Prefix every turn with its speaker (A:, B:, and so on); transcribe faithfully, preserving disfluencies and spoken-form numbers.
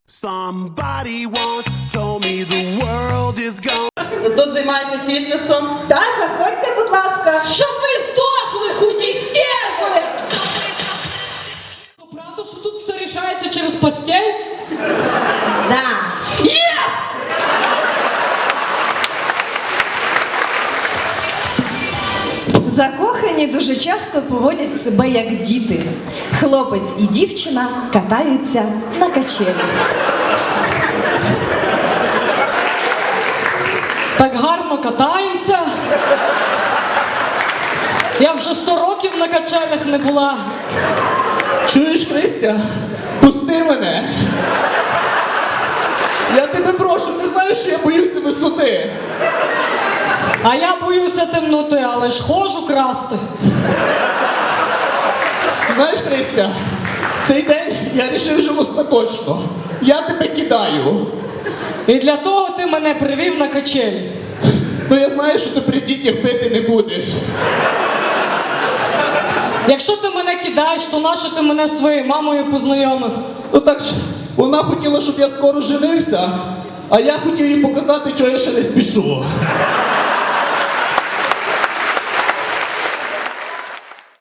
A: Somebody once told me the world is gone.
B: Тут займається фітнесом.
C: Та, заходьте, будь ласка.
B: Щоб ви здохли, худі стерви! Правда, що тут все рішається через постіль?
C: Да.
B: Є!
C: Закохані дуже часто поводять себе як діти. Хлопець і дівчина катаються на качелі.
B: Так гарно катаємося. Я вже сто років на качелях не була.
D: Чуєш, Христя? Пусти мене. Я тебе прошу, ти знаєш, що я боюся висоти.
B: А я боюся темноти, але ж хожу красти.
D: Знаєш, Христя, цей день я вирішив вже остаточно. Я тебе кидаю.
B: І для того ти мене привів на качелі.
D: Ну я знаю, що ти при дітях пити не будеш.
B: Якщо ти мене кидаєш, то нащо ти мене з своєю мамою познайомив?
D: Ну так ж, вона хотіла, щоб я скоро женився, а я хотів їй показати, чого я ще не спішу.